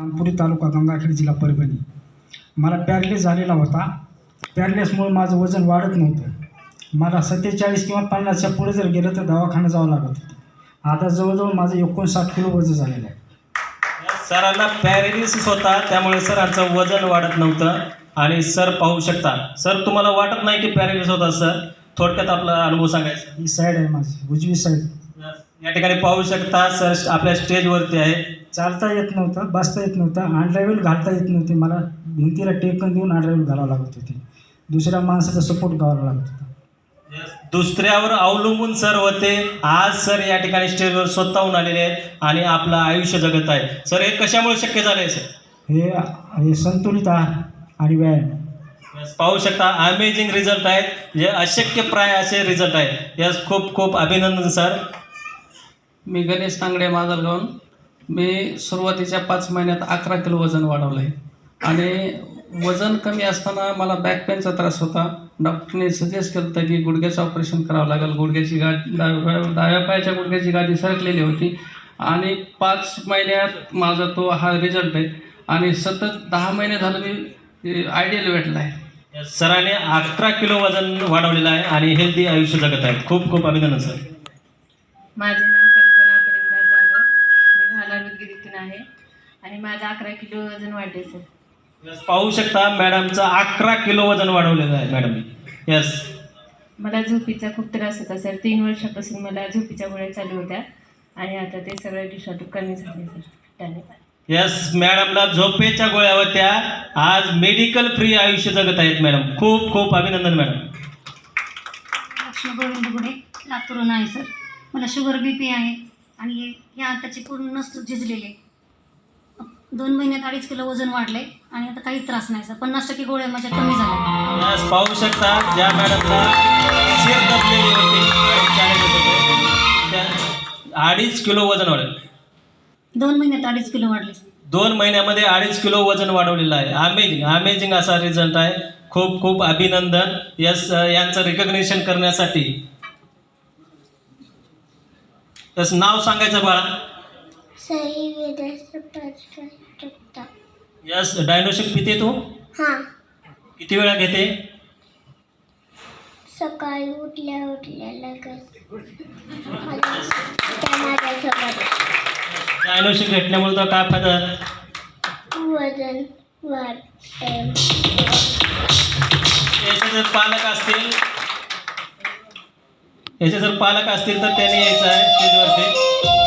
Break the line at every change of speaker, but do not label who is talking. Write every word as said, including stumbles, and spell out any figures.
रामपुरी तालुका गंगाखेड जिल्हा परभणी. मला पॅरलेस झालेला होता. पॅरलेसमुळे माझं वजन वाढत नव्हतं. मला सत्तेचाळीस किंवा पन्नासच्या पुढे जर गेलं तर दवाखाना जावं लागत होतं. आता जवळजवळ माझं एकोणसाठ किलो वजन झालेलं आहे.
सरांना पॅरेलिसिस होता, त्यामुळे सरांचं वजन वाढत नव्हतं. आणि सर पाहू शकता. सर तुम्हाला वाटत नाही की पॅरेलिसिस होता सर? थोडक्यात आपला अनुभव सांगायचा.
ही साईड आहे माझी, उजवी साईड.
या ठिकाणी पाहू शकता सर आपल्या स्टेजवरती आहे.
चालता येत नव्हतं, बसता येत नव्हतं, अनड्रायव्हल घालता येत नव्हते. मला भिंतीला टेकन देऊन अनड्रायव्हल घालावं लागत होती. दुसऱ्या माणसाचा सपोर्ट घ्यावा लागत होता.
दुसऱ्यावर अवलंबून सर होते. आज सर या ठिकाणी स्टेजवर स्वतःहून आलेले आहेत आणि आपलं आयुष्य जगत आहे. सर हे कशामुळे शक्य झालं आहे सर?
हे हे संतुलित आहार आणि व्यायाम.
पाहू शकता अमेझिंग रिझल्ट आहेत, जे अशक्य प्राय असे रिझल्ट आहेत. यास खूप खूप अभिनंदन सर.
मी गणेश तांगडे माजलगावून. मी सुरुवातीच्या पाच महिन्यात अकरा किलो वजन वाढवलं आहे. आणि वजन कमी असताना मला बॅक पेनचा त्रास होता. डॉक्टरने सजेस्ट केलं होतं की गुडघ्याचं ऑपरेशन करावं लागेल. गुडघ्याची गाठ डाव्या डाव्या पायाच्या गुडघ्याची गाठी सरकलेली होती. आणि पाच महिन्यात माझा तो हा रिझल्ट आहे. आणि सतत दहा महिने झालं मी आयडियल वेटला आहे.
सरांनी अकरा किलो वजन वाढवलेलं आहे आणि हेल्दी आयुष्य जगत आहेत. खूप खूप अभिनंदन सर.
माझे नाव कल्पना परिंदा जाधव. मी राहणार उदगीरीतून आहे आणि माझं अकरा किलो वजन वाढले सर.
पाहू शकता मॅडमचं अकरा किलो वजन वाढवलेलं आहे मॅडम. यस.
मला झोपीचा खूप त्रास होता सर. तीन वर्षापासून मला झोपीच्या गोळ्या चालू होत्या आणि आता ते सगळ्या दिवसातून कमी झाले सर. धन्यवाद.
यस, मॅडमला झोपेच्या गोळ्या होत्या, आज मेडिकल फ्री आयुष्य जगत आहेत मॅडम. खूप खूप अभिनंदन मॅडम.
लक्ष्मी गोविंद गुडे, लातूरून आहे सर. मला शुगर बी पी आहे आणि या आताचे पूर्ण नस झिजलेले. दोन महिन्यात अडीच किलो वजन वाढले आणि आता काही त्रास नाही सर. पन्नास टक्के गोळ्या माझ्या कमी झाल्या.
यस, पाहू शकता ज्या मॅडमला शिर दबलेली होती आणि चॅलेंजेस होते, त्या अडीच किलो वजन वाढलं.
दोन महिन्यात अडीच किलो वाढले.
दोन महिन्यामध्ये अडीच किलो वजन वाढवलेलं आहे. अमेझिंग अमेझिंग असा रिझल्ट आहे. खूप खूप अभिनंदन. यस, यांचं रिकग्निशन करण्यासाठी. यस, नाव सांगायचं बाळा. यस, डायनोशिक पिते तू?
हां.
किती वेळा घेते?
सकाळी उठल्या उठल्या लगेच.
डायनोशिक घेतल्यामुळे तर काय फायदा?
वजन वाढते.
याचे जर पालक असतील याचे जर पालक असतील तर त्यांनी यायचं आहे स्टेजवरती.